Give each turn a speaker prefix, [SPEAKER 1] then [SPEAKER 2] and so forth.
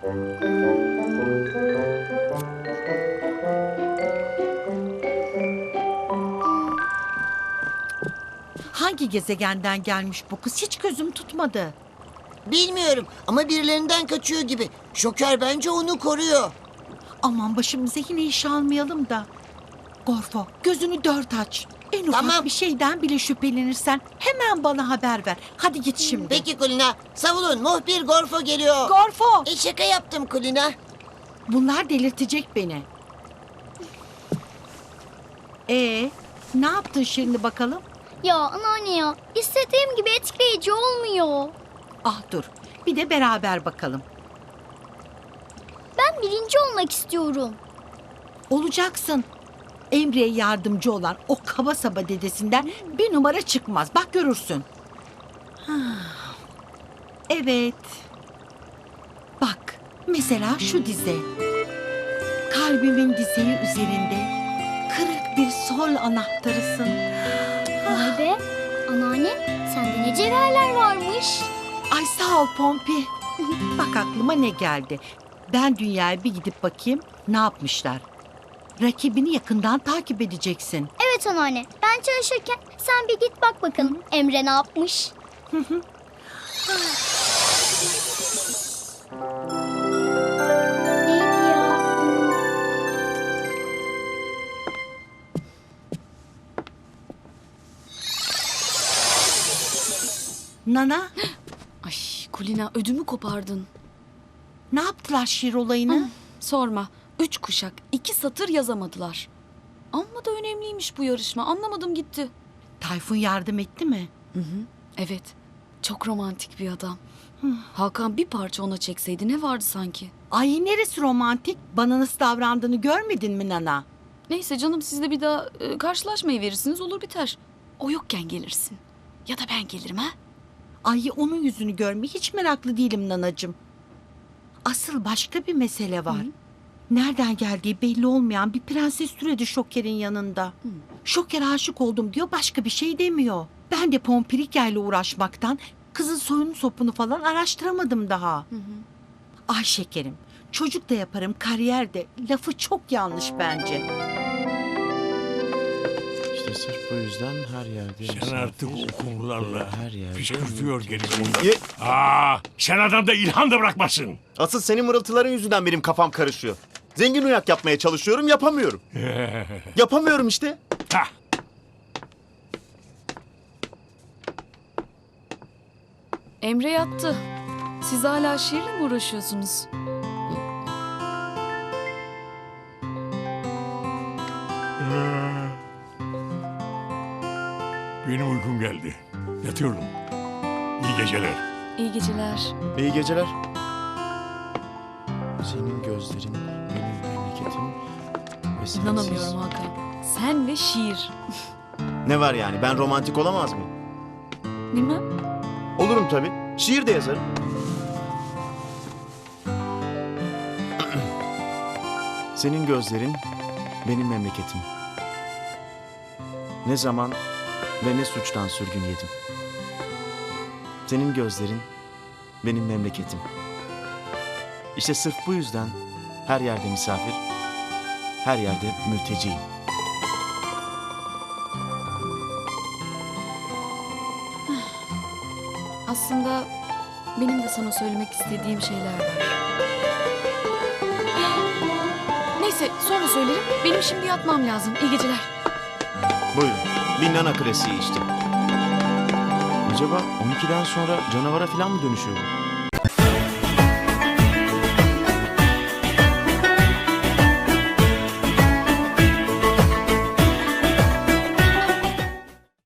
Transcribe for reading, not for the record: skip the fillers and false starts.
[SPEAKER 1] Hangi gezegenden gelmiş bu kız? Hiç gözüm tutmadı.
[SPEAKER 2] Bilmiyorum ama birilerinden kaçıyor gibi. Şoker bence onu koruyor.
[SPEAKER 1] Aman başımıza yine iş almayalım da. Gorfo, gözünü dört aç. En ufak
[SPEAKER 2] Tamam.
[SPEAKER 1] bir şeyden bile şüphelenirsen hemen bana haber ver. Hadi git şimdi.
[SPEAKER 2] Peki Kulina, savunun, muhbir Gorfo geliyor.
[SPEAKER 1] Gorfo,
[SPEAKER 2] Şaka yaptım Kulina.
[SPEAKER 1] bunlar delirtecek beni. Ne yaptın şimdi bakalım?
[SPEAKER 3] Ya anneanne ya, istediğim gibi etkileyici olmuyor.
[SPEAKER 1] Ah dur, bir de beraber bakalım.
[SPEAKER 3] Ben birinci olmak istiyorum.
[SPEAKER 1] Olacaksın. Emre'ye yardımcı olan o kaba saba dedesinden bir numara çıkmaz. Bak görürsün. Evet. Bak mesela şu dize. Kalbimin dizeyi üzerinde kırık bir sol anahtarısın.
[SPEAKER 3] Vay be, anneanne sende ne cevherler varmış.
[SPEAKER 1] Ay sağ ol Pompi. Bak aklıma ne geldi. Ben dünyaya bir gidip bakayım ne yapmışlar. Rakibini yakından takip edeceksin.
[SPEAKER 3] Evet anneanne, ben çalışırken sen bir git bak bakalım Emre ne yapmış. Neydi ya?
[SPEAKER 1] Nana,
[SPEAKER 4] Ay Kulina ödümü kopardın.
[SPEAKER 1] ne yaptılar şiir olayını?
[SPEAKER 4] Sorma. 3 kuşak 2 satır yazamadılar. Amma da önemliymiş bu yarışma. Anlamadım gitti.
[SPEAKER 1] Tayfun yardım etti mi?
[SPEAKER 4] Evet. Çok romantik bir adam. Hakan bir parça ona çekseydi ne vardı sanki?
[SPEAKER 1] Ay neresi romantik? Bana nasıl davrandığını görmedin mi Nana?
[SPEAKER 4] Neyse canım siz de bir daha karşılaşmayı verirsiniz olur biter. O yokken gelirsin. Ya da ben gelirim ha?
[SPEAKER 1] Ay onun yüzünü görmeye hiç meraklı değilim Nanacığım. Asıl başka bir mesele var. Nereden geldiği belli olmayan bir prenses türedi Şoker'in yanında. Şoker aşık oldum diyor, başka bir şey demiyor. Ben de Pompirika ile uğraşmaktan kızın soyunu sopunu falan araştıramadım daha. Ay şekerim, çocuk da yaparım, kariyer de. Lafı çok yanlış bence.
[SPEAKER 5] İşte sırf bu yüzden her yerde...
[SPEAKER 6] Sen artık o konularla
[SPEAKER 5] her yerde
[SPEAKER 6] püskürtüyor gelin.
[SPEAKER 5] Ye-
[SPEAKER 6] Sen adamda ilham da bırakmasın.
[SPEAKER 5] Asıl senin mırıltıların yüzünden benim kafam karışıyor. Zengin uyak yapmaya çalışıyorum, yapamıyorum. Yapamıyorum işte.
[SPEAKER 6] Hah.
[SPEAKER 4] Emre yattı. Siz hala şiirle mi uğraşıyorsunuz?
[SPEAKER 6] Benim uykum geldi. Yatıyorum. İyi geceler.
[SPEAKER 4] İyi geceler.
[SPEAKER 5] İyi geceler. Senin gözlerin, benim memleketim ve sensiz...
[SPEAKER 4] İnanamıyorum Hakan. Sen ve şiir.
[SPEAKER 5] Ne var yani, ben romantik olamaz mıyım?
[SPEAKER 4] Bilmem.
[SPEAKER 5] Olurum tabii. Şiir de yazarım. Senin gözlerin, benim memleketim. Ne zaman ve ne suçtan sürgün yedim. Senin gözlerin, benim memleketim. İşte sırf bu yüzden her yerde misafir, her yerde mülteciyim.
[SPEAKER 4] Aslında benim de sana söylemek istediğim şeyler var. Neyse sonra söylerim. Benim şimdi yatmam lazım. İyi geceler.
[SPEAKER 5] Buyurun, bir nana klasiği işte. Acaba 12'den sonra canavara falan mı dönüşüyor bu?